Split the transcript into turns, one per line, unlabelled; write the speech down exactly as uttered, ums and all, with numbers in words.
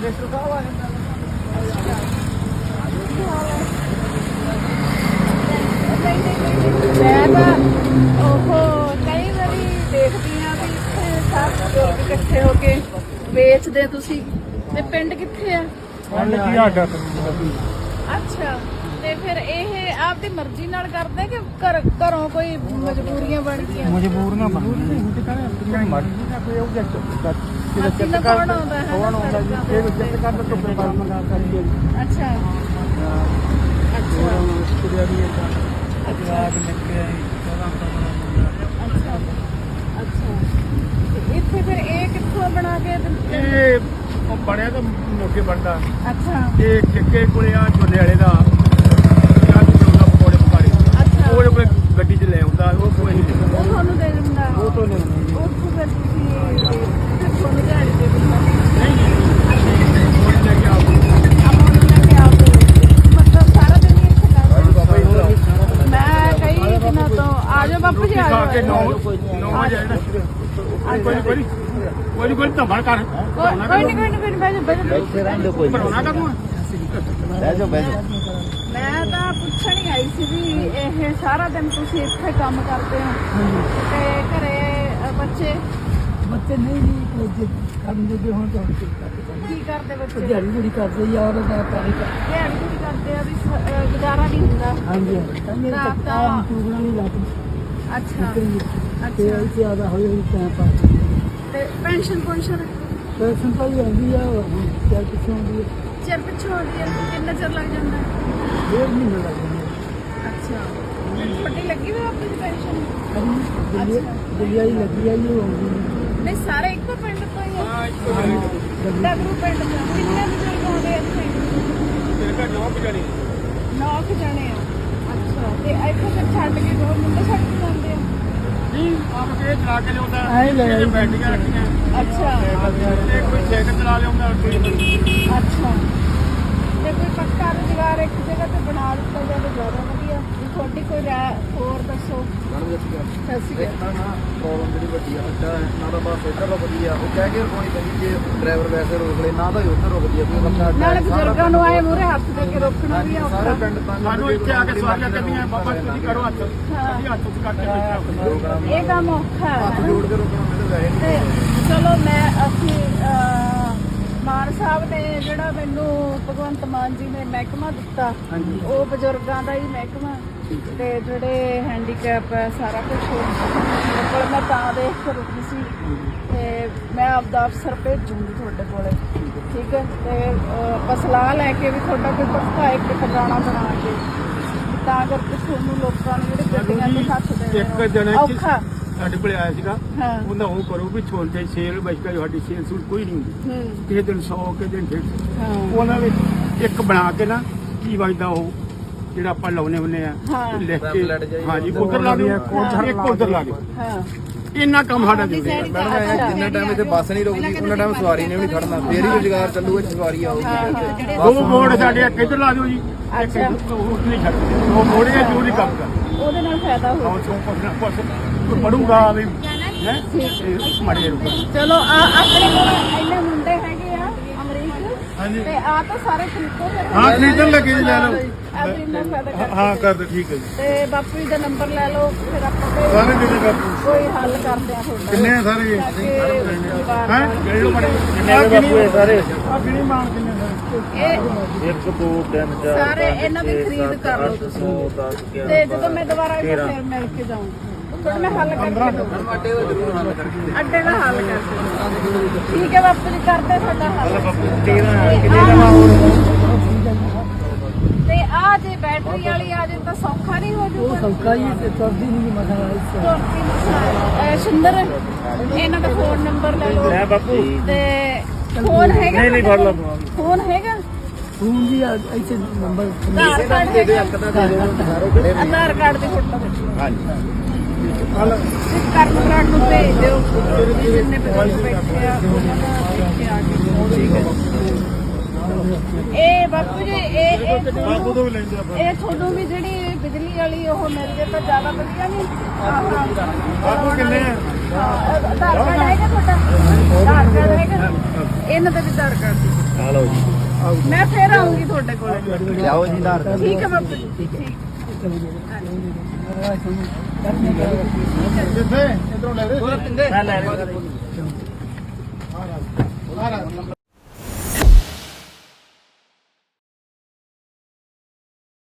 ਮੈਂ ਤਾਂ ਉਹ ਕਈ ਵਾਰੀ ਦੇਖਦੀ ਹਾਂ ਵੀ ਇੱਥੇ ਸਭ ਲੋਕ ਇਕੱਠੇ ਹੋ ਕੇ ਵੇਚਦੇ ਤੁਸੀਂ ਤੇ ਪਿੰਡ ਕਿੱਥੇ ਆ? ਅੱਛਾ ਤੇ ਫਿਰ ਇਹ ਆਪਦੀ ਮਰਜ਼ੀ ਨਾਲ ਕਰਦੇ ਕਿ ਘਰ ਘਰੋਂ ਕੋਈ ਮਜਬੂਰੀਆਂ ਬਣ ਗਈਆਂ?
ਮਜਬੂਰੀਆਂ ਬਣ ਗਈਆਂ ਮਰਜ਼ੀ ਨਾ ਕੋਈ ਉਹ ਜੱਟ
ਜੱਟ ਕੌਣ ਆਉਂਦਾ ਹੈ?
ਕੌਣ ਆਉਂਦਾ ਜੀ ਇਹ ਜੱਟ ਕਰ ਤੋਂ ਪੇਪਰ ਮੰਗਾ ਕਰੀਏ।
ਅੱਛਾ ਅੱਛਾ
ਕੁੜੀਆਂ ਵੀ ਅਜਵਾਕ ਨਿਕਲੇ
ਅੱਛਾ ਅੱਛਾ ਇੱਥੇ ਫਿਰ ਇਹ ਕਿੱਥੋਂ ਬਣਾ ਕੇ ਦਿੰਦੇ?
ਇਹ ਉਹ ਬਣਿਆ ਤਾਂ ਮੋਕੇ ਬਣਦਾ।
ਅੱਛਾ
ਇਹ ਕਿੱਕੇ ਕੋਲੇ ਆ ਝੋਲੇ ਵਾਲੇ ਦਾ ਜਾਂ ਝੋਲਾ ਪਕੌੜੇ ਪਕਾੜੇ
ਅੱਛਾ
ਉਹ ਕੋਈ ਗੱਡੀ 'ਚ ਲੈ ਆਉਂਦਾ ਉਹ ਕੋਈ ਨਹੀਂ ਦਿੰਦਾ।
ਉਹ ਤੁਹਾਨੂੰ ਦੇ ਦਿੰਦਾ?
ਉਹ ਤੋਂ ਨਹੀਂ ਦਿੰਦਾ।
ਉੱਥੋਂ ਫਿਰ ਤੁਸੀਂ ਤੁਹਾਨੂੰ ਦਿਹਾੜੀ ਦੇ ਦਿੰਦਾ?
ਨਹੀਂ ਨਹੀਂ ਕੋਈ ਲੈ ਕੇ ਆਓ
ਆਪਾਂ ਨੂੰ ਲੈ ਕੇ ਆਓ ਮਤਲਬ ਸਾਰਾ ਦਿਨ ਹੀ ਇੱਥੇ ਕਰਦੇ? ਮੈਂ ਕਈ ਦਿਨਾਂ ਤੋਂ ਆ ਜਾਓ ਬਾਪੂ ਜੀ ਆ
ਖਾ ਕੇ
ਜਾਓ।
ਨੌ ਵਜੇ ਨਾ ਕੋਈ ਕੋਈ ਕੋਈ ਕੋਈ ਧੰਬੜ ਕਰ
ਕੋਈ ਨਹੀਂ ਕੋਈ ਨਹੀਂ ਕੋਈ ਨਹੀਂ ਬੈਠੋ ਬੈਠੋ
ਭਰੋਣਾ ਕਰੂੰ
ਬਹਿ ਜਾਓ ਬਹਿ ਜਾਓ।
ਮੈਂ ਤਾਂ ਪੁੱਛਣ ਹੀ ਆਈ ਸੀ ਵੀ ਇਹ ਸਾਰਾ ਦਿਨ ਤੁਸੀਂ ਇੱਥੇ ਕੰਮ ਕਰਦੇ ਹੋ ਤੇ ਘਰੇ ਅ, ਬੱਚੇ
ਬੱਚੇ ਨਹੀਂ ਜੀ ਕੰਮ ਜੋਗੇ ਹੋਣ ਤਾਂ
ਕੀ ਕਰਦੇ ਬੱਚੇ?
ਦਿਹਾੜੀ ਜਿਹੜੀ ਕਰਦੇ ਯਾਰ ਦਾ ਪਾਣੀ
ਦਿਹਾੜੀ ਵੀ ਕਰਦੇ ਆ ਵੀ ਸ- ਅ, ਗੁਜ਼ਾਰਾ ਨਹੀਂ ਹੁੰਦਾ।
ਹਾਂਜੀ ਹਾਂਜੀ
ਰਾਤ ਦਾ
ਆਮ ਟੂਗਣਾ ਨਹੀਂ ਲੱਗਦਾ
ਅੱਛਾ
ਤੇ
ਅੱਛਾ
ਇੱਥੇ ਆਦਾ ਹੋਈ ਹੋਈ ਟਾਈਮ ਪਾਸ
ਤੇ ਪੈਨਸ਼ਨ ਪੈਨਸ਼ਨ
ਪੈਸੇ ਤਾਂ ਹੀ ਆਉਂਦੀ ਆ ਕਿਆ ਕਿਥੋਂ ਆਉਂਦੀ ਹੈ
ਚਿਰ ਪਿੱਛੋਂ ਆਉਂਦੀ ਹੈ? ਕਿੰਨਾ ਚਿਰ ਲੱਗ ਜਾਂਦਾ?
ਡੇਢ ਮਹੀਨਾ ਲੱਗ ਜਾਂਦਾ
ਅੱਛਾ ਛੋਟੀ ਲੱਗੀ ਹੋਈ ਆਪਣੀ ਪੈਨਸ਼ਨ?
ਦਿੱਲੀ ਦਿੱਲੀ ਆਈ ਲੱਗੀ ਆਈ ਉਹ ਆਉਂਦੀ ਨਹੀਂ
ਨਹੀਂ ਸਾਰੇ ਇੱਕੋ ਪਿੰਡ ਤੋਂ ਹੀ ਆ?
ਹਾਂ ਇੱਕੋ ਗੱਲ
ਡਗਰੂ ਪਿੰਡ ਤੋਂ ਕਿੰਨੇ ਬਜ਼ੁਰਗ ਆਉਂਦੇ ਆ ਇੱਥੇ?
ਤੇਰੇ ਘਰ ਨੌ ਵਜੇ
ਨੌ ਕੁ ਜਣੇ ਆ। ਅੱਛਾ ਤੇ ਇੱਥੇ ਫਿਰ ਛੱਡ ਕੇ ਦੋ ਮੁੰਡੇ ਛੱਡ ਕੇ ਜਾਂਦੇ ਆ?
ਨਹੀਂ ਆਪ ਕੇ ਚਲਾ ਕੇ ਲਿਆਉਂਦਾ
ਆਏ ਲੈ ਆਏ।
ਬੈਟਰੀਆਂ ਰੱਖੀਆਂ
ਅੱਛਾ
ਤੇ ਕੋਈ ਸਾਈਕਲ ਚਲਾ ਲਿਆਉਂਦਾ ਕੋਈ
ਅੱਛਾ ਤੇ ਕੋਈ ਪੱਕਾ ਰੁਜ਼ਗਾਰ ਇੱਕ ਜਗ੍ਹਾ ਤੇ ਬਣਾ ਦਿੱਤਾ ਜਾਵੇ ਜ਼ਿਆਦਾ ਵਧੀਆ। ਵੀ ਤੁਹਾਡੀ ਕੋਈ ਰਾਏ ਹੋਰ ਦੱਸੋ। ਸਤਿ ਸ਼੍ਰੀ ਅਕਾਲ।
ਪ੍ਰੋਬਲਮ ਜਿਹੜੀ ਵੱਡੀ ਆ ਅੱਡਾ ਹੈ ਨਾ ਤਾਂ ਬਸ ਇੱਧਰ ਵਧੀਆ ਉਹ ਕਹਿ ਕੇ ਰੁਕਣੀ ਪੈਂਦੀ ਜੇ ਡਰਾਈਵਰ ਵੈਸੇ ਰੋਕ ਲੈ ਨਾ ਤਾਂ ਹੀ ਉੱਧਰ ਰੁਕਦੀ ਆ ਕੋਈ ਬੰਦਾ ਅੱਡਾ
ਨਾਲੇ ਬਜ਼ੁਰਗਾਂ ਨੂੰ ਆਏ ਮੂਹਰੇ ਹੱਥ ਦੇ ਕੇ ਰੋਕਣਾ ਵੀ ਔਖਾ।
ਸਾਰੇ ਪਿੰਡ ਤਾਂ
ਸਾਨੂੰ ਇੱਥੇ ਆ ਕੇ ਸਵਾਰੀਆਂ ਕਰਨੀਆਂ ਬਾਬਾ ਤੁਸੀਂ ਕਰੋ ਹੱਥ ਅਸੀਂ ਹੱਥ ਉੱਤੇ ਕਰਕੇ ਬੈਠਾ
ਇਹ ਕੰਮ ਔਖਾ
ਹੱਥ
ਹੈ।
ਜੋੜ ਕੇ ਰੁਕਣਾ ਮੈਨੂੰ ਵੈਸੇ ਨਹੀਂ
ਤੇ ਚਲੋ ਮੈਂ ਅਸੀਂ ਅਹ, ਮਾਨ ਸਾਹਿਬ ਨੇ ਜਿਹੜਾ ਮੈਨੂੰ ਭਗਵੰਤ ਮਾਨ ਜੀ ਨੇ ਮਹਿਕਮਾ ਦਿੱਤਾ ਉਹ ਬਜ਼ੁਰਗਾਂ ਦਾ ਹੀ ਮਹਿਕਮਾ ਤੇ ਜਿਹੜੇ ਹੈਂਡੀਕੈਪ ਹੈ ਸਾਰਾ ਕੁਝ ਕੋਲ ਮੈਂ ਤਾਂ ਦੇਖ ਕੇ ਰੁਕੀ ਸੀ ਤੇ ਮੈਂ ਆਪਦਾ ਅਫਸਰ ਭੇਜੂੰਗੀ ਤੁਹਾਡੇ ਕੋਲੇ ਠੀਕ ਹੈ ਤੇ ਅਹ, ਆਪਾਂ ਸਲਾਹ ਲੈ ਕੇ ਵੀ ਤੁਹਾਡਾ ਕੋਈ ਪੱਕਾ ਇੱਕ ਟਿਕਾਣਾ ਬਣਾ ਕੇ ਤਾਂ ਕਰਕੇ ਤੁਹਾਨੂੰ ਲੋਕਾਂ ਨੂੰ ਜਿਹੜੇ ਗੱਡੀਆਂ ਤੇ ਹੱਥ ਦੇਣੇ
ਇੱਕ ਜਣੇ
ਔਖਾ
ਸਾਡੇ ਕੋਲੇ ਆਇਆ ਸੀਗਾ
ਹਾਂ
ਉਹਨਾਂ ਉਹ ਕਰੋ ਵੀ ਛੋਟੇ ਸੇਲ ਬਚਕਾ ਸਾਡੀ ਸੇਲ ਸੂਲ ਕੋਈ ਨਹੀਂ ਹੁੰਦੀ
ਹੂੰ
ਕਿਸੇ ਦਿਨ ਸੌ ਕਿਸੇ ਦਿਨ ਡੇਢ ਸੌ
ਹਾਂ
ਉਹਨਾਂ ਵਿੱਚ ਇੱਕ ਬਣਾ ਕੇ ਨਾ ਕੀ ਵਜਦਾ ਉਹ ਜਿਹੜਾ ਆਪਾਂ ਲਾਉਨੇ ਹੁੰਨੇ ਆ
ਹਾਂ।
ਲਿਖ ਕੇ ਹਾਂਜੀ ਉਧਰ ਲਾ ਦਿਓ ਇੱਕ ਉਧਰ ਲਾ ਦਿਓ
ਹਾਂ
ਇੰਨਾ ਕੰਮ ਸਾਡਾ ਜ਼ਰੂਰੀ ਹੈ
ਮੈਡਮ ਇਹ ਜਿੰਨਾ ਟਾਈਮ ਇੱਥੇ ਬੱਸ ਨਹੀਂ ਰੁਕਦੀ ਉਹਨਾਂ ਟਾਈਮ ਸਵਾਰੀ ਨੇ ਵੀ ਨਹੀਂ ਖੜਨਾ ਫੇਰ ਹੀ ਰੁਜ਼ਗਾਰ ਚੱਲੂਗਾ ਜੇ ਸਵਾਰੀ ਆਊਗੀ
ਦੋ ਮੋੜ ਸਾਡੇ ਇੱਕ ਇੱਧਰ ਲਾ ਦਿਓ ਜੀ ਇੱਕ ਉਹ ਨਹੀਂ ਛੱਡ ਉਹ ਮੋੜੇ ਜ਼ਰੂਰੀ ਕੰਮ ਕਰ
ਉਹਦੇ ਨਾਲ ਫਾਇਦਾ ਹੋ
ਆਉਂ ਚੋਂ ਪੁੱਛਣਾ ਪੁੱਛ ਪੜੂਗਾ ਵੀ ਹੈ ਮੜੇ ਰੁਕ
ਚਲੋ ਆ ਆਪਣੇ ਕੋਲ ਇੰਨੇ ਮੁੰਡੇ ਹੈਗੇ ਆ ਅਮਰੀਕ
ਹਾਂਜੀ।
ਤੇ ਆ ਤਾਂ ਸਾਰੇ ਖਰੀਦੋ ਫਿਰ
ਹਾਂ ਖਰੀਦਣ ਲੱਗੇ ਜੀ ਲੈ ਲਓ
ਆਪਣੀ ਇੰਨਾ ਫਾਇਦਾ ਕਰ
ਹਾਂ ਕਰ ਦੋ ਠੀਕ ਹੈ ਜੀ
ਤੇ ਬਾਪੂ ਜੀ ਦਾ ਨੰਬਰ ਲੈ ਲਓ ਫਿਰ ਆਪਾਂ ਕੋਈ-
ਸਾਰੇ ਕਿੰਨੇ ਕਰ ਦੋ
ਕੋਈ ਹੱਲ ਕਰਦੇ ਆ ਤੁਹਾਡਾ
ਕਿੰਨੇ ਆ ਸਾਰੇ
ਤਾਂ ਕਿ ਪਰਿਵਾਰ
ਹੈ
ਨਾਲ-
ਕਿਹੜੇ ਬੜੇ ਕਿੰਨੇ ਬਾਪੂ ਹੈ ਸਾਰੇ ਆ ਕਿਹੜੀ ਮਾਂ ਕਿੰਨੇ ਸਾਰੇ
ਇਹ
ਇੱਕ ਦੋ ਤਿੰਨ
ਸਾਰੇ ਇਹਨਾਂ ਦੀ ਖਰੀਦ ਕਰ ਲਓ ਤੁਸੀਂ ਤੇ ਜਦੋਂ ਮੈਂ ਦੁਬਾਰਾ ਇਹਨਾਂ ਫਿਰ ਮਿਲ ਕੇ ਜਾਊਂ ਤੁਹਾਡਾ ਮੈਂ ਹੱਲ ਕਰਕੇ ਦਊਂ
ਅੱਡੇ ਦਾ ਜ਼ਰੂਰ ਹੱਲ ਕਰਾਂਗੇ
ਅੱਡੇ ਦਾ ਹੱਲ ਕਰਕੇ ਠੀਕ ਹੈ ਬਾਪੂ ਜੀ ਕਰਦੇ ਤੁਹਾਡਾ ਹੱਲ ਤੇ ਆ ਜੇ ਬੈਟਰੀ ਵਾਲੀ ਆ ਜੇ ਤਾਂ ਸੌਖਾ ਨਹੀਂ ਹੋ
ਉਹ
ਜੂਗਾ
ਸੌਕਾ ਹੀ ਤੇ ਤੁਰਦੀ ਨਹੀਂ ਮਸਲਾ
ਤੁਰਦੀ ਮਸਾਲ ਸੁੰਦਰ ਇਹਨਾਂ ਦਾ ਫੋਨ ਨੰਬਰ ਲੈ ਲਓ
ਲੈ ਬਾਪੂ
ਤੇ ਫੋਨ ਹੈਗਾ
ਨਹੀਂ ਨਹੀਂ ਫੜ ਲਓ
ਫੋਨ ਹੈਗਾ
ਫੋਨ ਜੀ ਇੱਥੇ ਨੰਬਰ
ਆਧਾਰ ਕਾਰਡ
ਦੇ ਦਿਓ
ਹੈਗਾ
ਇੱਕ ਤਾਂ ਦੇ ਦਿਓ ਸਾਰੇ ਖੜੇ ਨੇ
ਆਧਾਰ ਕਾਰਡ ਦੀ ਫੋਟੋ ਖਿੱਚੋ
ਹਾਂਜੀ
ਕਰਨ ਬਰਾੜ ਨੂੰ ਭੇਜ ਦਿਓ ਵੀ ਜਿੰਨੇ ਬਜ਼ੁਰਗ ਬੈਠੇ ਆ ਉਹਨਾਂ ਦਾ ਦੇਖ ਕੇ ਆ ਕੇ ਇਹ ਬਾਪੂ ਜੀ ਇਹ ਇਹ
ਬਾਪੂ
ਤੁਹਾਨੂੰ-
ਤੋਂ ਵੀ ਲੈਂਦੇ ਆਪਾਂ
ਇਹ ਤੁਹਾਨੂੰ ਵੀ ਜਿਹੜੀ ਬਿਜਲੀ ਵਾਲੀ ਉਹ ਮਿਲ ਜੇ ਤਾਂ ਜ਼ਿਆਦਾ ਵਧੀਆ ਨਹੀਂ
ਬਾਪੂ ਕਿੰਨੇ ਆ
ਆਧਾਰ ਕਾਰਡ ਹੈਗਾ ਤੁਹਾਡਾ ਆਧਾਰ ਕਾਰਡ ਹੈਗਾ ਇਹਨਾਂ ਦਾ ਵੀ ਆਧਾਰ ਕਾਰਡ ਦੀ।
ਆ ਲਓ ਜੀ
ਮੈਂ ਫੇਰ ਆਉਂਗੀ ਤੁਹਾਡੇ ਕੋਲ।
ਲਿਆਓ ਜੀ ਆਧਾਰ ਕਾਰਡ
ਠੀਕ ਹੈ ਬਾਪੂ ਜੀ ਠੀਕ
ਜਿੱਥੇ ਇਧਰੋਂ ਲੈ ਦੇ
ਮੈਂ ਲੈ ਰਿਹਾ
ਆ